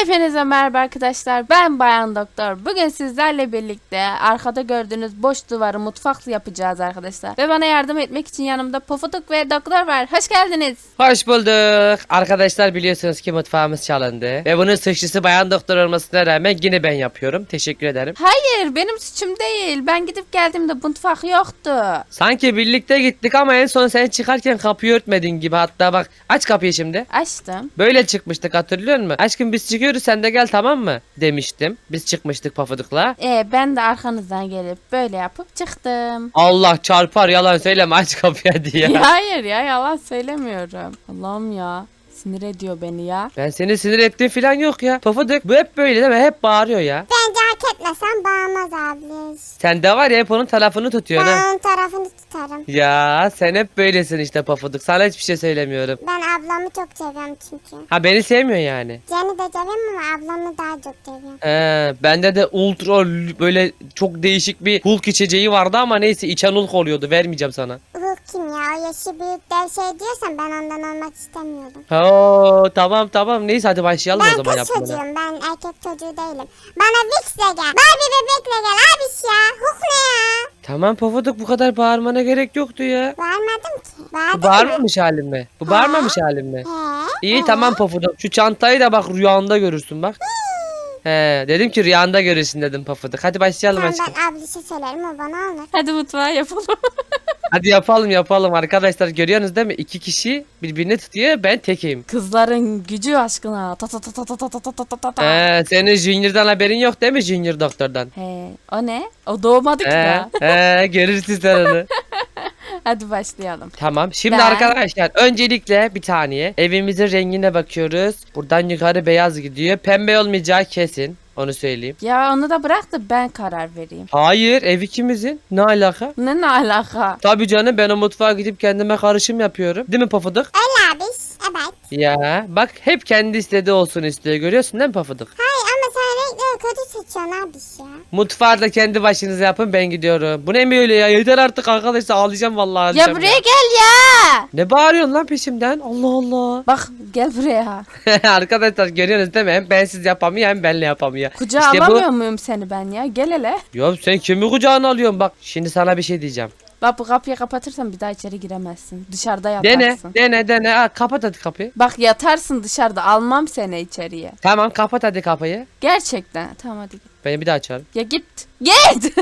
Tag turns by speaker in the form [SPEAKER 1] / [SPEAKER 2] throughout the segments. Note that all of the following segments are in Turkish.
[SPEAKER 1] Hepinize merhaba arkadaşlar. Ben Bayan Doktor. Bugün sizlerle birlikte arkada gördüğünüz boş duvarı mutfak yapacağız arkadaşlar. Ve bana yardım etmek için yanımda Pofuduk ve Doktor var. Hoş geldiniz.
[SPEAKER 2] Hoş bulduk. Arkadaşlar biliyorsunuz ki mutfağımız çalındı. Ve bunun suçlusu Bayan Doktor olmasına rağmen yine ben yapıyorum. Teşekkür ederim.
[SPEAKER 1] Hayır, benim suçum değil. Ben gidip geldiğimde mutfak yoktu.
[SPEAKER 2] Sanki birlikte gittik ama en son sen çıkarken kapıyı örtmedin gibi. Hatta bak aç kapıyı şimdi.
[SPEAKER 1] Açtım.
[SPEAKER 2] Böyle çıkmıştık, hatırlıyor musun? Aşkım biz çıkıyoruz, sen de gel, tamam mı? Demiştim. Biz çıkmıştık Pafuduk'la.
[SPEAKER 1] Ben de arkanızdan gelip böyle yapıp çıktım.
[SPEAKER 2] Allah çarpar, yalan söyleme, aç kapıyı diye.
[SPEAKER 1] Hayır ya, yalan söylemiyorum. Allah'ım ya. Sinir ediyor beni ya.
[SPEAKER 2] Ben seni sinir ettiğim falan yok ya. Pafuduk bu hep böyle değil mi? Hep bağırıyor ya.
[SPEAKER 3] Bence hak etmesen bağırmaz abla.
[SPEAKER 2] Sen de var ya, hep onun tarafını tutuyorsun ha.
[SPEAKER 3] Ben onun tarafını tutarım.
[SPEAKER 2] Ya sen hep böylesin işte Pafuduk. Sana hiçbir şey söylemiyorum.
[SPEAKER 3] Ben ablamı çok seviyorum çünkü.
[SPEAKER 2] Ha, beni sevmiyor yani.
[SPEAKER 3] Seni de seviyorum ama ablamı daha çok seviyorum.
[SPEAKER 2] Bende de böyle çok değişik bir Hulk içeceği vardı ama neyse, içen Hulk oluyordu. Vermeyeceğim sana.
[SPEAKER 3] Hulk kim ya? O yaşı büyük dev şey diyorsan ben ondan olmak istemiyordum.
[SPEAKER 2] Oo, tamam neyse, hadi başlayalım o
[SPEAKER 3] Ben
[SPEAKER 2] zaman
[SPEAKER 3] kız
[SPEAKER 2] yapmaya.
[SPEAKER 3] çocuğum. Ben erkek çocuğu değilim. Bana Vix'le gel. Barbie bebekle gel abiş ya. Hulk ne ya?
[SPEAKER 2] Tamam Pafuduk, bu kadar bağırmana gerek yoktu ya.
[SPEAKER 3] Bağırmadım ki.
[SPEAKER 2] Bu
[SPEAKER 3] Bağırdın mı?
[SPEAKER 2] bağırmamış halim mi? Bu bağırmamış halim mi? İyi tamam Pafuduk. Şu çantayı da bak rüyanda görürsün bak. Dedim ki rüyanda görürsün dedim Pafuduk. Hadi başlayalım
[SPEAKER 3] Tamam
[SPEAKER 2] aşkım.
[SPEAKER 3] ben ablişe söylerim o bana alır.
[SPEAKER 1] Hadi mutfağı yapalım.
[SPEAKER 2] Hadi yapalım arkadaşlar, görüyorsunuz değil mi? İki kişi birbirini tutuyor, ben tekeyim.
[SPEAKER 1] Kızların gücü aşkına. Ta ta ta ta ta ta ta ta ta ta ta.
[SPEAKER 2] Senin Junior'dan haberin yok değil mi, Junior Doktor'dan?
[SPEAKER 1] O ne? O doğmadı ki daha.
[SPEAKER 2] Görürsün sen onu.
[SPEAKER 1] Hadi başlayalım.
[SPEAKER 2] Tamam. Şimdi
[SPEAKER 1] Ben-
[SPEAKER 2] arkadaşlar öncelikle bir saniye evimizin rengine bakıyoruz. Buradan yukarı beyaz gidiyor. Pembe olmayacağı kesin. Onu söyleyeyim.
[SPEAKER 1] Ya onu da bırak da ben karar vereyim.
[SPEAKER 2] Hayır, ev ikimizin. Ne alaka?
[SPEAKER 1] Ne alaka?
[SPEAKER 2] Tabii canım, ben o mutfağa gidip kendime karışım yapıyorum. Değil mi Pafuduk?
[SPEAKER 3] Öyle abiş. Evet.
[SPEAKER 2] Ya bak, hep kendi istediği olsun istiyor. Görüyorsun değil mi Pafuduk?
[SPEAKER 3] Hayır ama sen renkleri kötü seçiyorsun abiş ya.
[SPEAKER 2] Mutfağı da kendi başınıza yapın, ben gidiyorum. Bu ne böyle ya? Yeter artık arkadaşlar, ağlayacağım vallahi,
[SPEAKER 1] Ya
[SPEAKER 2] ağlayacağım
[SPEAKER 1] buraya gel ya.
[SPEAKER 2] Ne bağırıyorsun lan peşimden? Allah Allah.
[SPEAKER 1] Bak gel buraya.
[SPEAKER 2] Arkadaşlar görüyorsunuz değil mi? Hem bensiz yapamıyor hem benle yapamıyor.
[SPEAKER 1] Kucağa
[SPEAKER 2] İşte bu-
[SPEAKER 1] alamıyor muyum seni ben ya? Gel hele.
[SPEAKER 2] Ya sen kimi kucağına alıyorsun? Bak şimdi sana bir şey diyeceğim.
[SPEAKER 1] Bak bu kapıyı kapatırsan bir daha içeri giremezsin. Dışarıda yatarsın.
[SPEAKER 2] Dene. Ha, kapat hadi kapıyı.
[SPEAKER 1] Bak yatarsın dışarıda, almam seni içeriye.
[SPEAKER 2] Tamam, kapat hadi kapıyı.
[SPEAKER 1] Gerçekten. Tamam hadi git.
[SPEAKER 2] Ben bir daha açarım.
[SPEAKER 1] Ya git. Git.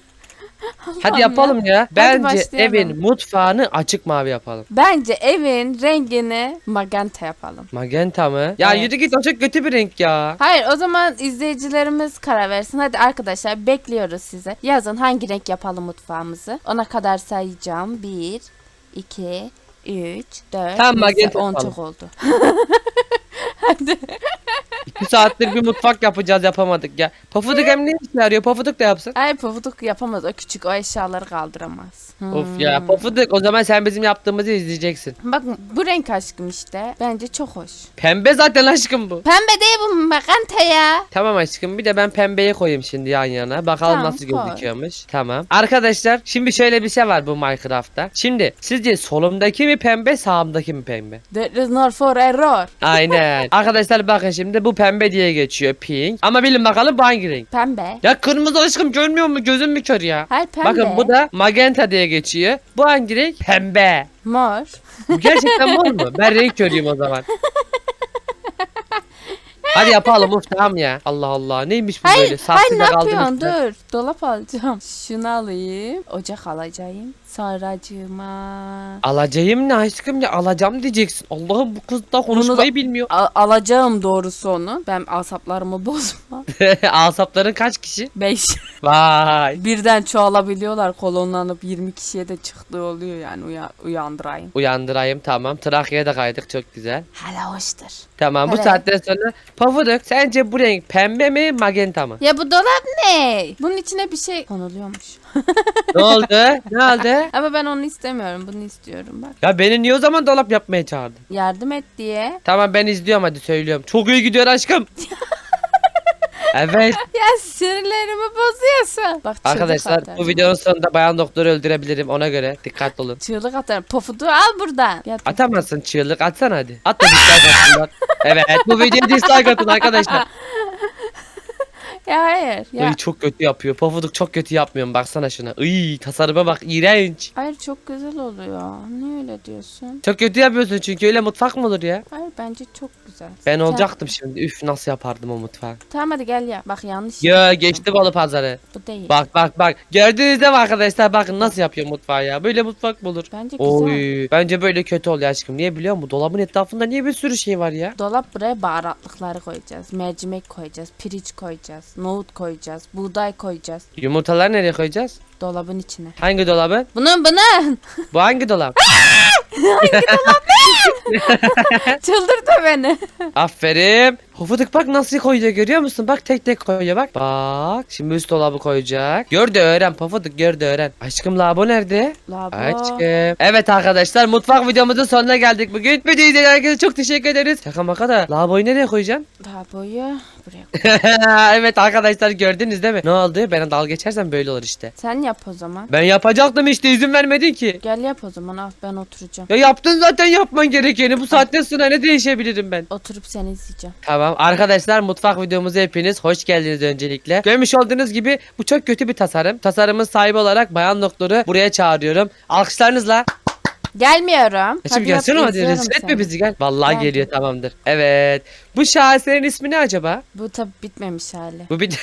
[SPEAKER 2] Hadi yapalım ya. Bence
[SPEAKER 1] başlayalım.
[SPEAKER 2] evin mutfağını açık mavi yapalım.
[SPEAKER 1] Bence evin rengini magenta yapalım.
[SPEAKER 2] Magenta mı? Ya
[SPEAKER 1] Evet.
[SPEAKER 2] yürü git, o çok kötü bir renk ya.
[SPEAKER 1] Hayır, o zaman izleyicilerimiz karar versin. Hadi arkadaşlar, bekliyoruz size. Yazın hangi renk yapalım mutfağımızı. Ona kadar sayacağım. 1, 2, 3, 4,
[SPEAKER 2] Tamam, magenta
[SPEAKER 1] 10
[SPEAKER 2] yapalım.
[SPEAKER 1] çok oldu.
[SPEAKER 2] 2 saattir bir mutfak yapacağız, yapamadık ya. Pafuduk hem ne işe yarıyor? Pafuduk da yapsın.
[SPEAKER 1] Ay Pofuduk yapamaz, o küçük, o eşyaları kaldıramaz.
[SPEAKER 2] Of ya Pafuduk, o zaman sen bizim yaptığımızı izleyeceksin.
[SPEAKER 1] Bak bu renk aşkım işte. Bence çok hoş.
[SPEAKER 2] Pembe zaten aşkım bu.
[SPEAKER 1] Pembe değil bu, magenta ya.
[SPEAKER 2] Tamam aşkım, bir de ben pembeye koyayım şimdi yan yana. Bakalım
[SPEAKER 1] Tamam,
[SPEAKER 2] nasıl
[SPEAKER 1] koy.
[SPEAKER 2] gözüküyormuş. Tamam. Arkadaşlar şimdi şöyle bir şey var bu Minecraft'ta. Şimdi sizce solumdaki mi pembe, sağımdaki mi pembe?
[SPEAKER 1] There is no for error.
[SPEAKER 2] Aynen. Arkadaşlar bakın, şimdi bu pembe diye geçiyor, pink. Ama bilin bakalım bu hangi renk?
[SPEAKER 1] Pembe.
[SPEAKER 2] Ya kırmızı aşkım, görmüyor mu? Gözüm mü kör ya?
[SPEAKER 1] Hayır, pembe.
[SPEAKER 2] Bakın bu da magenta diye geçiyor. Bu hangi renk? Pembe.
[SPEAKER 1] Mor.
[SPEAKER 2] Bu gerçekten mor mu? Ben renk körüyüm o zaman. Hadi yapalım, of tamam ya. Allah Allah, neymiş bu böyle?
[SPEAKER 1] Hayır,
[SPEAKER 2] Saksıda
[SPEAKER 1] ne
[SPEAKER 2] kaldım
[SPEAKER 1] yapıyorsun?
[SPEAKER 2] üstüne.
[SPEAKER 1] Dur. Dolap alacağım. Şunu alayım. Ocak alacağım. Sonracığıma.
[SPEAKER 2] Alacağım ne aşkım, ya alacağım diyeceksin. Allah'ım, bu kız da konuşmayı bilmiyor.
[SPEAKER 1] Alacağım doğrusu onu. Ben asaplarımı bozma.
[SPEAKER 2] Asapların kaç kişi?
[SPEAKER 1] 5.
[SPEAKER 2] Vay.
[SPEAKER 1] Birden çoğalabiliyorlar. Kolonlanıp 20 kişiye de çıktığı oluyor yani. Uyandırayım.
[SPEAKER 2] Uyandırayım, tamam. Trakya'ya da kaydık, çok güzel.
[SPEAKER 1] Hala hoştur.
[SPEAKER 2] Tamam, bu
[SPEAKER 1] Evet.
[SPEAKER 2] saatten sonra Pafuduk, sence bu renk pembe mi magenta mı?
[SPEAKER 1] Ya bu dolap ne? Bunun içine bir şey konuluyormuş.
[SPEAKER 2] Ne oldu? Ne oldu?
[SPEAKER 1] Ama ben onu istemiyorum. Bunu istiyorum bak.
[SPEAKER 2] Ya beni niye o zaman dolap yapmaya çağırdın?
[SPEAKER 1] Yardım et diye.
[SPEAKER 2] Tamam, ben izliyorum, hadi söylüyorum. Çok iyi gidiyor aşkım. Evet.
[SPEAKER 1] Ya sinirlerimi bozuyorsun. Bak çığlık
[SPEAKER 2] Arkadaşlar
[SPEAKER 1] atarım.
[SPEAKER 2] bu videonun sonunda bayan doktoru öldürebilirim, ona göre dikkatli olun.
[SPEAKER 1] Çığlık atarım. Pofuduğu al buradan. Ya,
[SPEAKER 2] Atamazsın çığlık, atsana hadi. At da dislike atsınlar. Evet, bu videoya dislike atın arkadaşlar.
[SPEAKER 1] ya hayır. Ya.
[SPEAKER 2] Ay, çok kötü yapıyor. Pofuduk çok kötü yapmıyorum, baksana şuna. Iy, tasarıma bak, iğrenç.
[SPEAKER 1] Hayır çok güzel oluyor. Niye öyle diyorsun?
[SPEAKER 2] Çok kötü yapıyorsun çünkü, öyle mutfak mı olur ya?
[SPEAKER 1] Hayır bence çok güzel.
[SPEAKER 2] Ben
[SPEAKER 1] Gel.
[SPEAKER 2] olacaktım şimdi. Üf, nasıl yapardım o mutfağı.
[SPEAKER 1] Tamam hadi gel ya. Bak yanlış.
[SPEAKER 2] Ya
[SPEAKER 1] yapıyorsun.
[SPEAKER 2] geçti balı pazarı.
[SPEAKER 1] Bu değil.
[SPEAKER 2] Bak. Gördünüz değil mi arkadaşlar? Bakın nasıl yapıyor mutfağı ya. Böyle mutfak mı olur?
[SPEAKER 1] Bence güzel.
[SPEAKER 2] Oy, bence böyle kötü oluyor aşkım. Niye biliyor musun? Dolabın etrafında niye bir sürü şey var ya?
[SPEAKER 1] Dolap buraya baharatlıkları koyacağız. Mercimek koyacağız. Pirinç koyacağız. Nohut koyacağız. Buğday koyacağız.
[SPEAKER 2] Yumurtaları nereye koyacağız?
[SPEAKER 1] Dolabın içine.
[SPEAKER 2] Hangi dolabı?
[SPEAKER 1] Bunun.
[SPEAKER 2] Bu hangi dolap?
[SPEAKER 1] Çıldırdı beni.
[SPEAKER 2] Aferin. Pofuduk bak nasıl koyuyor, görüyor musun? Bak tek tek koyuyor bak. Bak. Şimdi üst dolabı koyacak. Gör de öğren Pofuduk, gör de öğren. Aşkım lavabo nerede?
[SPEAKER 1] Labo.
[SPEAKER 2] Aşkım. Evet arkadaşlar, mutfak videomuzun sonuna geldik bugün. Videoyu izleyen herkese çok teşekkür ederiz. Şaka maka da lavaboyu nereye koyacaksın?
[SPEAKER 1] Laboyu buraya koy.
[SPEAKER 2] Evet arkadaşlar, gördünüz değil mi? Ne oldu? Ben dalga geçersem böyle olur işte.
[SPEAKER 1] Sen yap o zaman.
[SPEAKER 2] Ben yapacaktım işte, izin vermedin ki.
[SPEAKER 1] Gel yap o zaman. Al ben oturacağım.
[SPEAKER 2] Ya yaptın zaten yapman gerekeni. Bu saatten sonra ne değişebilirim ben?
[SPEAKER 1] Oturup seni izleyeceğim.
[SPEAKER 2] Tamam arkadaşlar, mutfak videomuza hepiniz hoş geldiniz öncelikle. Görmüş olduğunuz gibi bu çok kötü bir tasarım. Tasarımın sahibi olarak bayan doktoru buraya çağırıyorum. Alkışlarınızla.
[SPEAKER 1] Gelmiyorum.
[SPEAKER 2] Şimdi gelsene hadi, rezil etme bizi, gel. Vallahi
[SPEAKER 1] Gel.
[SPEAKER 2] geliyor, tamamdır. Evet. Bu şaheserin ismi ne acaba?
[SPEAKER 1] Bu tabi bitmemiş hali.
[SPEAKER 2] Bu bir...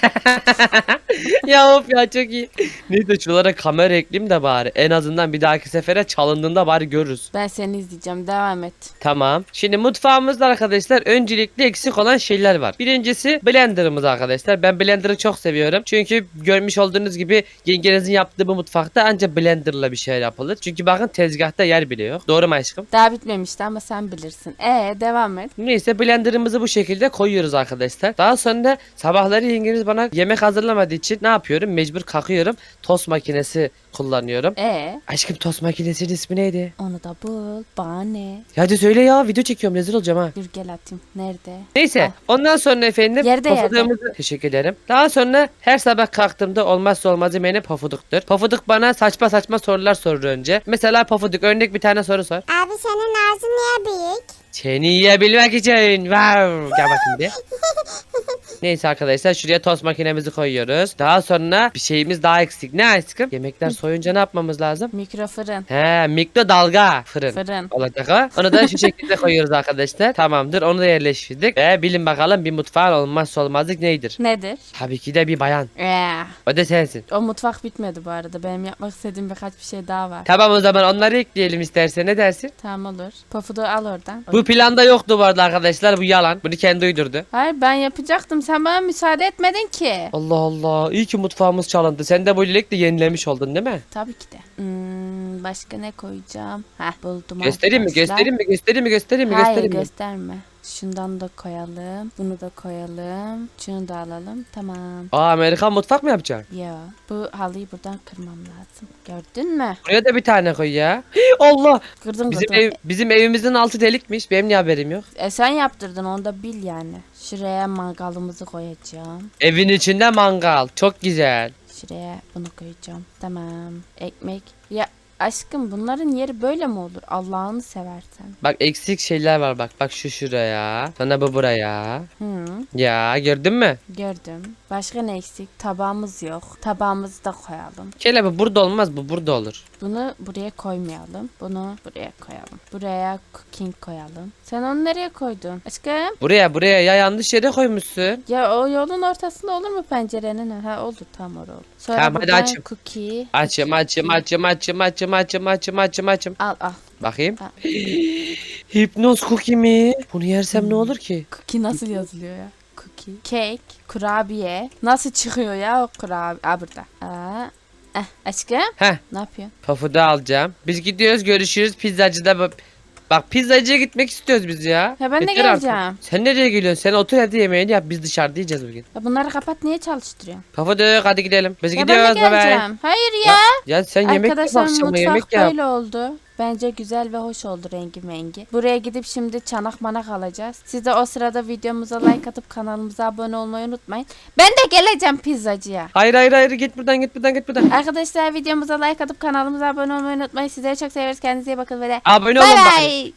[SPEAKER 2] Ya of ya, çok iyi. Neyse şuralara kamera ekleyeyim de bari. En azından bir dahaki sefere çalındığında bari görürüz.
[SPEAKER 1] Ben seni izleyeceğim. Devam et.
[SPEAKER 2] Tamam. Şimdi mutfağımızda arkadaşlar öncelikle eksik olan şeyler var. Birincisi blenderımız arkadaşlar. Ben blenderı çok seviyorum. Çünkü görmüş olduğunuz gibi yengenizin yaptığı bu mutfakta ancak blenderla bir şeyler yapılır. Çünkü bakın tezgahta yer bile yok. Doğru mu aşkım?
[SPEAKER 1] Daha bitmemişti ama sen bilirsin. Devam et.
[SPEAKER 2] Neyse blenderımızı bu şekilde koyuyoruz arkadaşlar. Daha sonra sabahları yengeniz bana yemek hazırlamadığı için ne yapıyorum? Mecbur kalkıyorum. Tost makinesi kullanıyorum. Aşkım tost makinesinin ismi neydi?
[SPEAKER 1] Onu da bul. Bana ne?
[SPEAKER 2] Ya hadi söyle ya, video çekiyorum, rezil olacağım ha.
[SPEAKER 1] Dur gel atayım. Nerede?
[SPEAKER 2] Neyse
[SPEAKER 1] Al.
[SPEAKER 2] ondan sonra efendim
[SPEAKER 1] Yerde,
[SPEAKER 2] pofudığımızı teşekkür ederim. Daha sonra her sabah kalktığımda olmazsa olmazı benim pofuduktur. Pofuduk bana saçma saçma sorular sorur önce. Mesela Pofuduk, örnek bir tane soru sor.
[SPEAKER 3] Abi senin ağzın niye büyük?
[SPEAKER 2] Seni yiyebilmek için. Wow. Gel bakayım bir. Neyse arkadaşlar, şuraya tost makinemizi koyuyoruz. Daha sonra bir şeyimiz daha eksik. Ne aşkım? Yemekler soyunca ne yapmamız lazım?
[SPEAKER 1] Mikrofırın.
[SPEAKER 2] He, mikrodalga fırın.
[SPEAKER 1] Fırın.
[SPEAKER 2] Olacak o. Onu da şu şekilde koyuyoruz arkadaşlar. Tamamdır, onu da yerleştirdik. Ve bilin bakalım bir mutfağın olmazsa olmazı nedir?
[SPEAKER 1] Nedir?
[SPEAKER 2] Tabii ki de bir bayan. O da sensin.
[SPEAKER 1] O mutfak bitmedi bu arada. Benim yapmak istediğim birkaç bir şey daha var.
[SPEAKER 2] Tamam, o zaman onları ekleyelim istersen, ne dersin?
[SPEAKER 1] Tamam olur. Pofuduğu al oradan.
[SPEAKER 2] Bu planda yoktu bu arada arkadaşlar, bu yalan. Bunu kendi uydurdu.
[SPEAKER 1] Hayır ben yapacaktım. Sen bana müsaade etmedin ki.
[SPEAKER 2] Allah Allah, iyi ki mutfağımız çalındı. Sen de böylelikle yenilemiş oldun değil mi?
[SPEAKER 1] Tabii ki de. Başka ne koyacağım? Buldum
[SPEAKER 2] Göstereyim mi?
[SPEAKER 1] arkadaşlar.
[SPEAKER 2] Göstereyim mi?
[SPEAKER 1] Hayır
[SPEAKER 2] mi?
[SPEAKER 1] gösterme. Şundan da koyalım. Bunu da koyalım. Şunu da alalım. Tamam.
[SPEAKER 2] Aa, Amerikan mutfak mı yapacaksın?
[SPEAKER 1] Ya bu halıyı buradan kırmam lazım. Gördün mü?
[SPEAKER 2] Buraya da bir tane koy ya. Allah!
[SPEAKER 1] Kırdın
[SPEAKER 2] Bizim,
[SPEAKER 1] kırdın.
[SPEAKER 2] bizim evimizin altı delikmiş. Benim niye haberim yok?
[SPEAKER 1] Sen yaptırdın onu da bil yani. Şuraya mangalımızı koyacağım.
[SPEAKER 2] Evin içinde mangal. Çok güzel.
[SPEAKER 1] Şuraya bunu koyacağım. Tamam. Ekmek. Ya aşkım bunların yeri böyle mi olur? Allah'ını seversen.
[SPEAKER 2] Bak eksik şeyler var bak. Bak şu şuraya. Sonra bu buraya. Ya gördün mü?
[SPEAKER 1] Gördüm. Başka ne eksik? Tabağımız yok. Tabağımızı da koyalım.
[SPEAKER 2] Kele bu burada olmaz, bu burada olur.
[SPEAKER 1] Bunu buraya koymayalım. Bunu buraya koyalım. Buraya cooking koyalım. Sen onu nereye koydun? Aşkım.
[SPEAKER 2] Buraya ya, yanlış yere koymuşsun.
[SPEAKER 1] Ya o yolun ortasında olur mu pencerenin? Ha oldu tam orada oldu. Sonra
[SPEAKER 2] Tamam, hadi
[SPEAKER 1] buradan
[SPEAKER 2] açayım.
[SPEAKER 1] cookie.
[SPEAKER 2] Açım.
[SPEAKER 1] Al.
[SPEAKER 2] Bakayım.
[SPEAKER 1] Ha.
[SPEAKER 2] Hipnoz cookie mi? Bunu yersem ne olur ki?
[SPEAKER 1] Cookie nasıl yazılıyor ya? Cookie. Cake. Kurabiye. Nasıl çıkıyor ya o kurabiye? Burada. Aşkım.
[SPEAKER 2] Heh,
[SPEAKER 1] Ne yapıyorsun?
[SPEAKER 2] pafuda alacağım. Biz gidiyoruz, görüşürüz pizzacıda. Bak pizzacıya gitmek istiyoruz biz ya.
[SPEAKER 1] Ya ben de
[SPEAKER 2] Yeter artık.
[SPEAKER 1] geleceğim.
[SPEAKER 2] Sen nereye geliyorsun? Sen otur hadi, yemeğini yap. Biz dışarıda yiyeceğiz bugün.
[SPEAKER 1] Ya bunları kapat niye çalıştırıyorsun?
[SPEAKER 2] Pafuduk hadi gidelim. Biz
[SPEAKER 1] Ya ben
[SPEAKER 2] gidiyoruz.
[SPEAKER 1] de
[SPEAKER 2] Bye bye.
[SPEAKER 1] geleceğim. Hayır ya.
[SPEAKER 2] Ya sen yemek yap,
[SPEAKER 1] Arkadaşlar
[SPEAKER 2] akşama
[SPEAKER 1] mutfak
[SPEAKER 2] yemek yap.
[SPEAKER 1] böyle oldu. Bence güzel ve hoş oldu rengi mengi. Buraya gidip şimdi çanak manak alacağız. Siz de o sırada videomuza like atıp kanalımıza abone olmayı unutmayın. Ben de geleceğim pizzacıya.
[SPEAKER 2] Hayır git buradan.
[SPEAKER 1] Arkadaşlar videomuza like atıp kanalımıza abone olmayı unutmayın. Sizleri çok seviyoruz. Kendinize iyi bakın ve de
[SPEAKER 2] Abone
[SPEAKER 1] bay
[SPEAKER 2] olun bakın.
[SPEAKER 1] bay.